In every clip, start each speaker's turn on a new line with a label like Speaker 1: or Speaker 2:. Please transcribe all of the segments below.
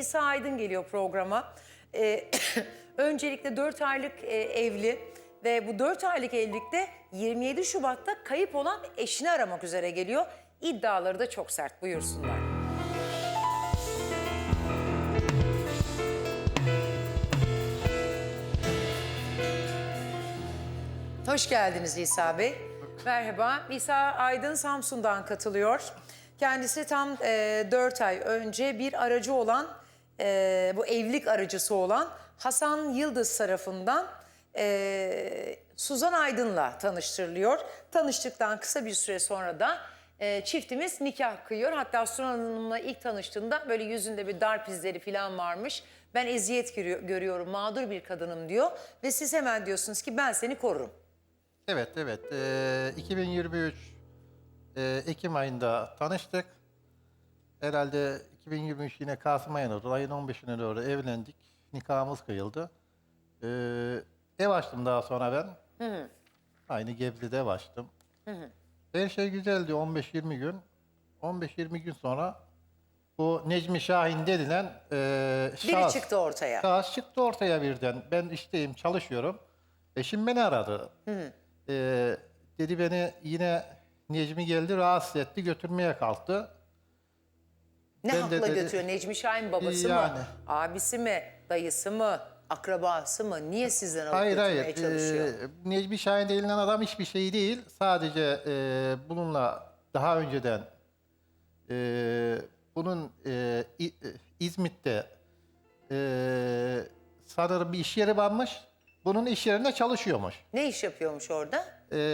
Speaker 1: İsa Aydın geliyor programa. Öncelikle 4 aylık evli ve bu 4 aylık evlilikte 27 Şubat'ta kayıp olan eşini aramak üzere geliyor. İddiaları da çok sert, buyursunlar. Hoş geldiniz İsa Bey. Merhaba. İsa Aydın Samsun'dan katılıyor. Kendisi tam 4 ay önce bir aracı olan, bu evlilik aracısı olan Hasan Yıldız tarafından Suzan Aydın'la tanıştırılıyor. Tanıştıktan kısa bir süre sonra da çiftimiz nikah kıyıyor. Hatta Suzan Hanım'la ilk tanıştığında böyle yüzünde bir darp izleri falan varmış. Ben eziyet görüyorum, mağdur bir kadınım diyor. Ve siz hemen diyorsunuz ki ben seni korurum.
Speaker 2: Evet. 2023 Ekim ayında tanıştık. Herhalde 2023 yine Kasım ayına doğru, ayın 15'ine doğru evlendik. Nikahımız kıyıldı. Ev açtım daha sonra ben.
Speaker 1: Hı.
Speaker 2: Aynı Gebze'de ev açtım. Her şey güzeldi 15-20 gün. 15-20 gün sonra bu Necmi Şahin denilen
Speaker 1: Biri çıktı ortaya.
Speaker 2: şahıs çıktı ortaya birden. Ben işteyim, çalışıyorum. Eşim beni aradı. Dedi beni yine Necmi geldi, rahatsız etti, götürmeye kalktı.
Speaker 1: Ne
Speaker 2: Ben
Speaker 1: hakla
Speaker 2: de-
Speaker 1: götürüyor? Necmi Şahin babası
Speaker 2: Yani.
Speaker 1: mı? Abisi mi? Dayısı mı? Akrabası mı? Niye sizden alıp
Speaker 2: Hayır.
Speaker 1: götürmeye çalışıyor?
Speaker 2: Necmi Şahin denilen adam hiçbir şey değil. Sadece bununla daha önceden bunun İzmit'te sanırım bir iş yeri varmış. Bunun iş yerinde çalışıyormuş.
Speaker 1: Ne iş yapıyormuş orada?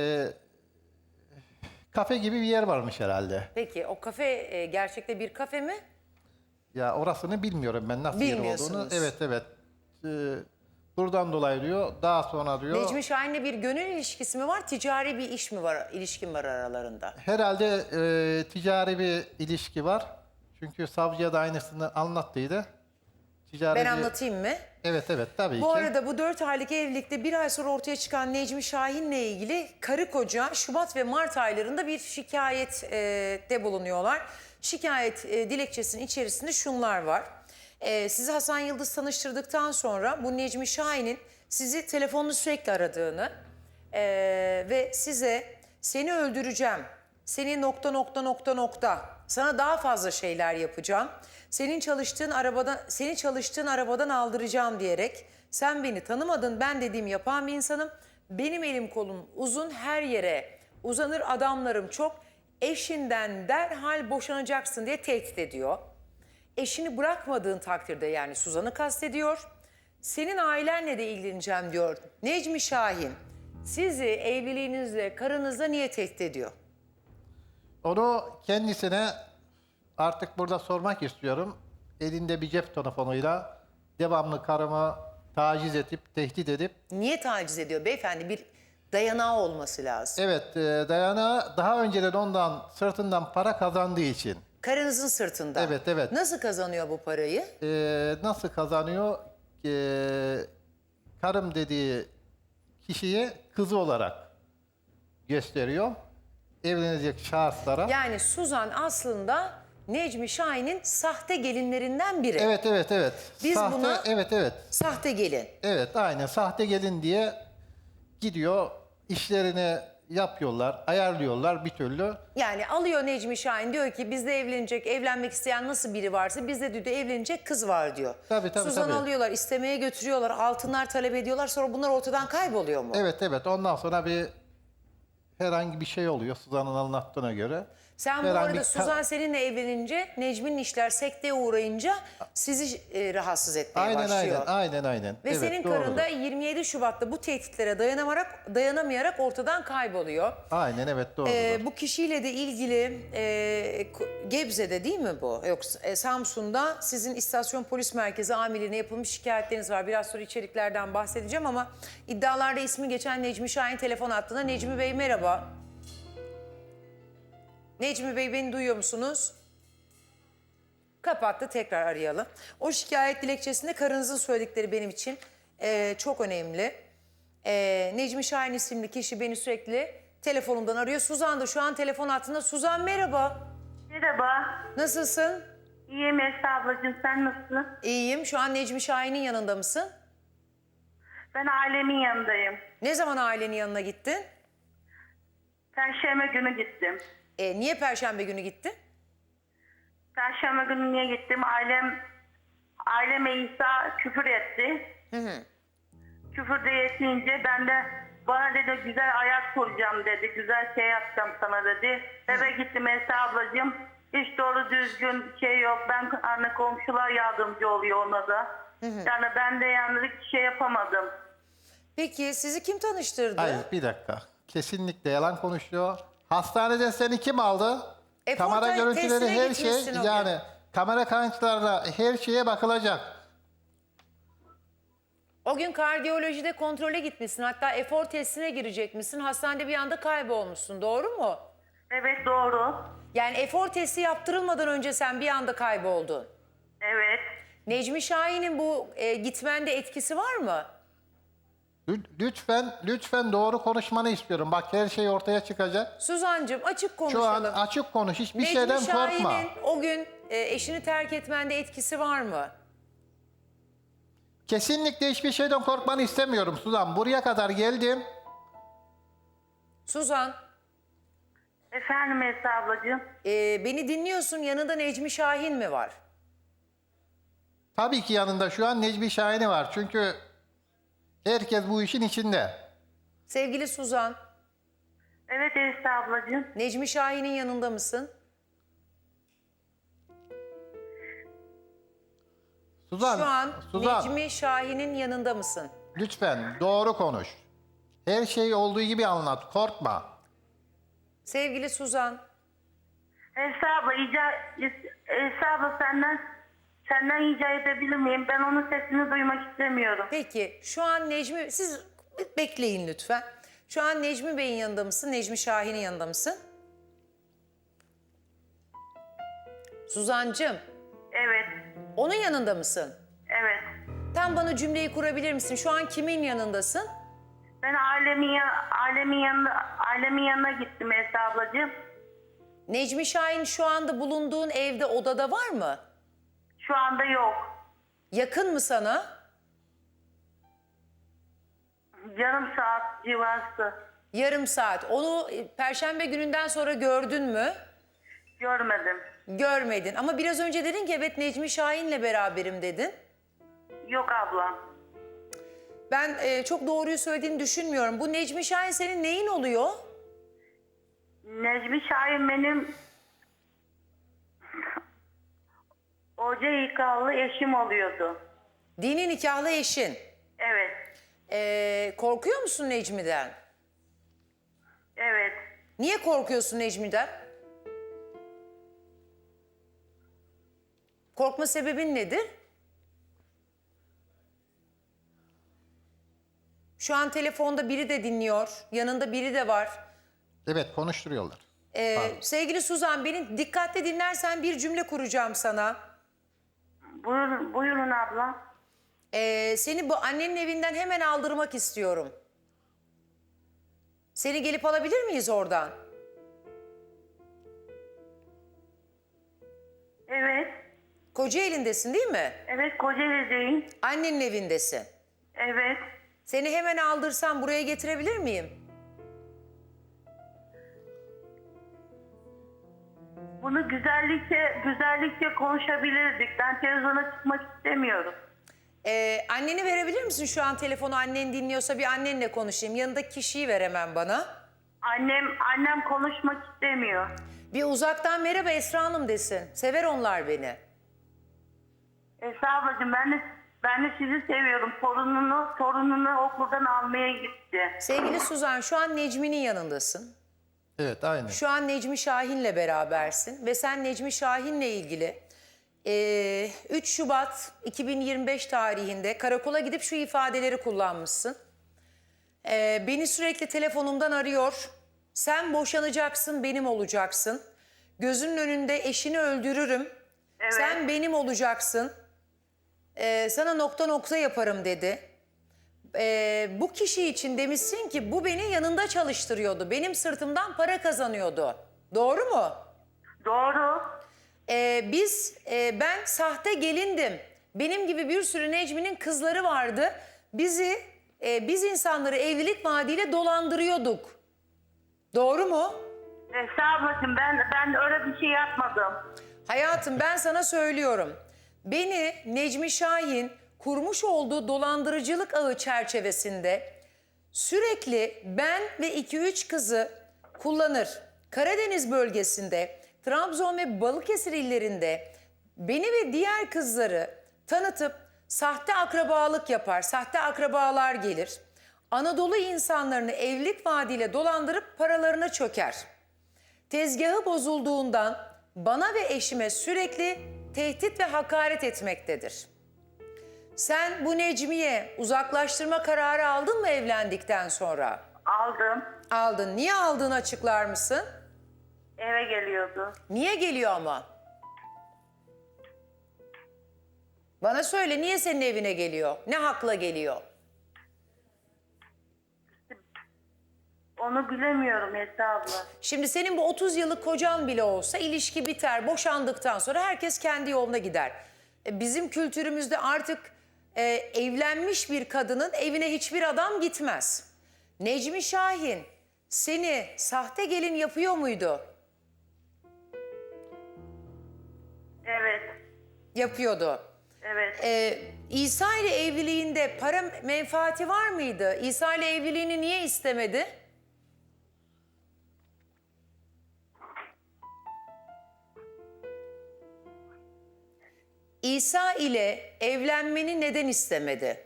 Speaker 2: Kafe gibi bir yer varmış herhalde.
Speaker 1: Peki o kafe gerçekte bir kafe mi?
Speaker 2: Ya orasını bilmiyorum ben nasıl yer olduğunu.
Speaker 1: Bilmiyorsunuz.
Speaker 2: Evet. Buradan dolayı diyor. Daha sonra diyor.
Speaker 1: Necmi Şahin'le bir gönül ilişkisi mi var? Ticari bir iş mi var? İlişkin var aralarında?
Speaker 2: Herhalde ticari bir ilişki var. Çünkü savcıya da aynısını anlattıydı. Ticari
Speaker 1: Ben
Speaker 2: bir...
Speaker 1: anlatayım mı?
Speaker 2: Evet tabii ki.
Speaker 1: Bu arada bu 4 aylık evlilikte bir ay sonra ortaya çıkan Necmi Şahin'le ilgili karı koca Şubat ve Mart aylarında bir şikayette bulunuyorlar. Şikayet dilekçesinin içerisinde şunlar var. Sizi Hasan Yıldız tanıştırdıktan sonra bu Necmi Şahin'in sizi telefonla sürekli aradığını ve size seni öldüreceğim, seni ... sana daha fazla şeyler yapacağım. Seni çalıştığın arabadan aldıracağım diyerek sen beni tanımadın, ben dediğim yapan bir insanım. Benim elim kolum uzun, her yere uzanır, adamlarım çok. Eşinden derhal boşanacaksın diye tehdit ediyor. Eşini bırakmadığın takdirde, yani Suzan'ı kastediyor. Senin ailenle de ilgileneceğim diyor Necmi Şahin. Sizi evliliğinizle, karınızla niye tehdit ediyor?
Speaker 2: Onu kendisine artık burada sormak istiyorum. Elinde bir cep telefonuyla devamlı karımı taciz edip, tehdit edip.
Speaker 1: Niye taciz ediyor beyefendi? Bir dayanağı olması lazım.
Speaker 2: Evet, Dayana daha önceden ondan sırtından para kazandığı için.
Speaker 1: Karınızın sırtında.
Speaker 2: Evet.
Speaker 1: Nasıl kazanıyor bu parayı?
Speaker 2: Nasıl kazanıyor? Karım dediği kişiyi kızı olarak gösteriyor. Evlenecek şahıslara.
Speaker 1: Yani Suzan aslında Necmi Şahin'in sahte gelinlerinden biri.
Speaker 2: Evet.
Speaker 1: Biz
Speaker 2: Sahte,
Speaker 1: buna-
Speaker 2: evet.
Speaker 1: Sahte gelin.
Speaker 2: Evet, aynen. Sahte gelin diye gidiyor, işlerini yapıyorlar, ayarlıyorlar bir türlü.
Speaker 1: Yani alıyor Necmi Şahin, diyor ki bizde evlenmek isteyen nasıl biri varsa bizde de evlenecek kız var diyor.
Speaker 2: Tabii.
Speaker 1: Suzan'ı alıyorlar, istemeye götürüyorlar, altınlar talep ediyorlar, sonra bunlar ortadan kayboluyor mu?
Speaker 2: Evet. Ondan sonra herhangi bir şey oluyor Suzan'ın anlattığına göre.
Speaker 1: Sen bu
Speaker 2: Herhangi
Speaker 1: arada
Speaker 2: bir-
Speaker 1: Suzan seninle evlenince, Necmi'nin işler sekteye uğrayınca sizi rahatsız etmeye başlıyor.
Speaker 2: Aynen.
Speaker 1: Ve
Speaker 2: Evet,
Speaker 1: senin
Speaker 2: doğrudur.
Speaker 1: karın da 27 Şubat'ta bu tehditlere dayanamayarak ortadan kayboluyor.
Speaker 2: Aynen, evet, doğrudur.
Speaker 1: Bu kişiyle de ilgili Gebze'de değil mi bu? Yoksa Samsun'da sizin istasyon polis merkezi amirliğine yapılmış şikayetleriniz var. Biraz sonra içeriklerden bahsedeceğim ama iddialarda ismi geçen Necmi Şahin telefon attığında Necmi Bey merhaba. Necmi Bey beni duyuyor musunuz? Kapattı, tekrar arayalım. O şikayet dilekçesinde karınızın söyledikleri benim için çok önemli. Necmi Şahin isimli kişi beni sürekli telefonumdan arıyor. Suzan da şu an telefon hattında. Suzan merhaba.
Speaker 3: Merhaba.
Speaker 1: Nasılsın?
Speaker 3: İyiyim Esra ablacığım, sen nasılsın?
Speaker 1: İyiyim. Şu an Necmi Şahin'in yanında mısın?
Speaker 3: Ben ailemin yanındayım.
Speaker 1: Ne zaman ailenin yanına gittin?
Speaker 3: Perşembe günü gittim.
Speaker 1: Niye Perşembe günü gittin?
Speaker 3: Perşembe günü niye gittim? Aileme İsa küfür etti. Küfür de yetince ben de bana dedi güzel ayak kuracağım dedi. Güzel şey yapacağım sana dedi. Eve gittim Esra ablacığım. Hiç doğru düzgün şey yok. Ben anne komşular yardımcı oluyor ona da. Yani ben de yani şey yapamadım.
Speaker 1: Peki sizi kim tanıştırdı?
Speaker 2: Hayır, bir dakika. Kesinlikle yalan konuşuyor. Hastanede seni kim aldı? Kamera
Speaker 1: testine
Speaker 2: görüntüleri her
Speaker 1: gitmişsin
Speaker 2: şey
Speaker 1: o gün.
Speaker 2: yani kamera kayıtlarına her şeye bakılacak.
Speaker 1: O gün kardiyolojide kontrole gitmişsin. Hatta efor testine girecekmişsin. Hastanede bir anda kaybolmuşsun. Doğru mu?
Speaker 3: Evet doğru.
Speaker 1: Yani efor testi yaptırılmadan önce sen bir anda kayboldun.
Speaker 3: Evet.
Speaker 1: Necmi Şahin'in bu gitmende etkisi var mı?
Speaker 2: Lütfen doğru konuşmanı istiyorum. Bak her şey ortaya çıkacak.
Speaker 1: Suzancığım açık
Speaker 2: Şu
Speaker 1: konuşalım.
Speaker 2: an açık konuş. Hiçbir
Speaker 1: Necmi
Speaker 2: şeyden korkma.
Speaker 1: Şahin'in o gün eşini terk etmende etkisi var mı?
Speaker 2: Kesinlikle hiçbir şeyden korkmanı istemiyorum Suzan. Buraya kadar geldim.
Speaker 1: Suzan,
Speaker 3: Efendim Esra ablacığım.
Speaker 1: beni dinliyorsun. Yanında Necmi Şahin mi var?
Speaker 2: Tabii ki yanında şu an Necmi Şahin'i var. Çünkü herkes bu işin içinde.
Speaker 1: Sevgili Suzan,
Speaker 3: Evet Esra ablacığım.
Speaker 1: Necmi Şahin'in yanında mısın?
Speaker 2: Suzan,
Speaker 1: Şu an
Speaker 2: Suzan
Speaker 1: Necmi Şahin'in yanında mısın?
Speaker 2: lütfen doğru konuş. Her şey olduğu gibi anlat. Korkma.
Speaker 1: Sevgili Suzan,
Speaker 3: Esra abla, Esra abla senden rica edebilir miyim? Ben onun sesini duymak istemiyorum.
Speaker 1: peki şu an siz bekleyin lütfen. Şu an Necmi Bey'in yanında mısın? Necmi Şahin'in yanında mısın? Suzancığım,
Speaker 3: Evet.
Speaker 1: onun yanında mısın?
Speaker 3: Evet.
Speaker 1: Tam bana cümleyi kurabilir misin? Şu an kimin yanındasın?
Speaker 3: Ben ailemin yanına gittim Esra ablacığım.
Speaker 1: Necmi Şahin şu anda bulunduğun evde, odada var mı?
Speaker 3: Şu anda yok.
Speaker 1: Yakın mı sana?
Speaker 3: Yarım saat civarı.
Speaker 1: Yarım saat. Onu Perşembe gününden sonra gördün mü?
Speaker 3: Görmedim.
Speaker 1: Görmedin. Ama biraz önce dedin ki evet Necmi Şahin'le beraberim dedin.
Speaker 3: Yok abla.
Speaker 1: Ben çok doğruyu söylediğini düşünmüyorum. Bu Necmi Şahin senin neyin oluyor?
Speaker 3: Necmi Şahin benim hoca nikahlı eşim oluyordu.
Speaker 1: Dini nikahlı eşin.
Speaker 3: Evet.
Speaker 1: Korkuyor musun Necmi'den?
Speaker 3: Evet.
Speaker 1: Niye korkuyorsun Necmi'den? Korkma sebebin nedir? Şu an telefonda biri de dinliyor. Yanında biri de var.
Speaker 2: Evet, konuşturuyorlar.
Speaker 1: Sevgili Suzan, beni dikkatli dinlersen bir cümle kuracağım sana.
Speaker 3: Buyurun abla.
Speaker 1: Seni bu annenin evinden hemen aldırmak istiyorum. Seni gelip alabilir miyiz oradan?
Speaker 3: Evet.
Speaker 1: Kocaeli'ndesin değil mi?
Speaker 3: Evet, Kocaeli'deyim.
Speaker 1: Annenin evindesin.
Speaker 3: Evet.
Speaker 1: Seni hemen aldırsam buraya getirebilir miyim?
Speaker 3: Bunu güzellikle konuşabilirdik. Ben televizyona çıkmak istemiyorum.
Speaker 1: Anneni verebilir misin şu an telefonu? Annen dinliyorsa bir annenle konuşayım. Yanındaki kişiyi ver hemen bana.
Speaker 3: Annem konuşmak istemiyor.
Speaker 1: Bir uzaktan merhaba Esra Hanım desin. Sever onlar beni.
Speaker 3: Esra ablacığım ben de sizi seviyorum. Torununu okuldan almaya gitti.
Speaker 1: Sevgili Suzan, şu an Necmi'nin yanındasın.
Speaker 2: Evet, aynen.
Speaker 1: Şu an Necmi Şahin'le berabersin ve sen Necmi Şahin'le ilgili 3 Şubat 2025 tarihinde karakola gidip şu ifadeleri kullanmışsın. Beni sürekli telefonumdan arıyor. Sen boşanacaksın, benim olacaksın. Gözünün önünde eşini öldürürüm.
Speaker 3: Evet.
Speaker 1: Sen benim olacaksın. Sana nokta nokta yaparım dedi. Bu kişi için demişsin ki bu beni yanında çalıştırıyordu. Benim sırtımdan para kazanıyordu. Doğru mu?
Speaker 3: Doğru.
Speaker 1: Ben sahte gelindim. Benim gibi bir sürü Necmi'nin kızları vardı. Biz insanları evlilik vaadiyle dolandırıyorduk. Doğru mu?
Speaker 3: Esra ablacığım ben öyle bir şey yapmadım.
Speaker 1: Hayatım ben sana söylüyorum. Beni Necmi Şahin kurmuş olduğu dolandırıcılık ağı çerçevesinde sürekli ben ve 2-3 kızı kullanır. Karadeniz bölgesinde, Trabzon ve Balıkesir illerinde beni ve diğer kızları tanıtıp sahte akrabalık yapar, sahte akrabalar gelir. Anadolu insanlarını evlilik vaadiyle dolandırıp paralarına çöker. Tezgahı bozulduğundan bana ve eşime sürekli tehdit ve hakaret etmektedir. Sen bu Necmi'ye uzaklaştırma kararı aldın mı evlendikten sonra?
Speaker 3: Aldım.
Speaker 1: Aldın. Niye aldığını açıklar mısın?
Speaker 3: Eve geliyordu.
Speaker 1: Niye geliyor ama? Bana söyle, niye senin evine geliyor? Ne hakla geliyor?
Speaker 3: Onu bilemiyorum Esra abla.
Speaker 1: Şimdi senin bu 30 yıllık kocan bile olsa ilişki biter, boşandıktan sonra herkes kendi yoluna gider. Bizim kültürümüzde artık evlenmiş bir kadının evine hiçbir adam gitmez. Necmi Şahin seni sahte gelin yapıyor muydu?
Speaker 3: Evet.
Speaker 1: Yapıyordu.
Speaker 3: Evet.
Speaker 1: İsa ile evliliğinde para menfaati var mıydı? İsa ile evliliğini niye istemedi? İsa ile evlenmeni neden istemedi?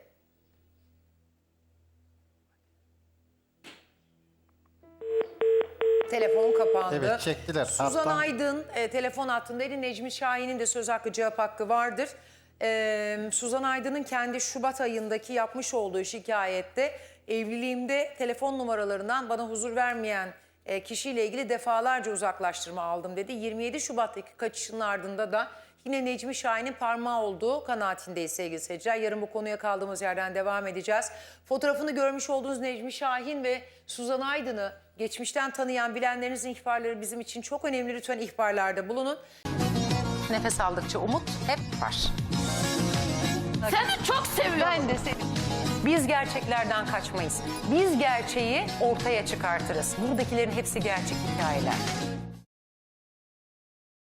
Speaker 1: Telefon kapandı.
Speaker 2: Evet, çektiler.
Speaker 1: Suzan
Speaker 2: Hattan.
Speaker 1: Aydın telefon hattındaydı. Necmi Şahin'in de söz hakkı, cevap hakkı vardır. Suzan Aydın'ın kendi Şubat ayındaki yapmış olduğu şikayette evliliğimde telefon numaralarından bana huzur vermeyen kişiyle ilgili defalarca uzaklaştırma aldım dedi. 27 Şubat'taki kaçışının ardında da yine Necmi Şahin'in parmağı olduğu kanaatindeyiz sevgili seyirciler. Yarın bu konuya kaldığımız yerden devam edeceğiz. Fotoğrafını görmüş olduğunuz Necmi Şahin ve Suzan Aydın'ı geçmişten tanıyan bilenlerinizin ihbarları bizim için çok önemli. Lütfen ihbarlarda bulunun. Nefes aldıkça umut hep var.
Speaker 4: Seni çok seviyorum.
Speaker 1: Ben de seni. Biz gerçeklerden kaçmayız. Biz gerçeği ortaya çıkartırız. Buradakilerin hepsi gerçek hikayeler.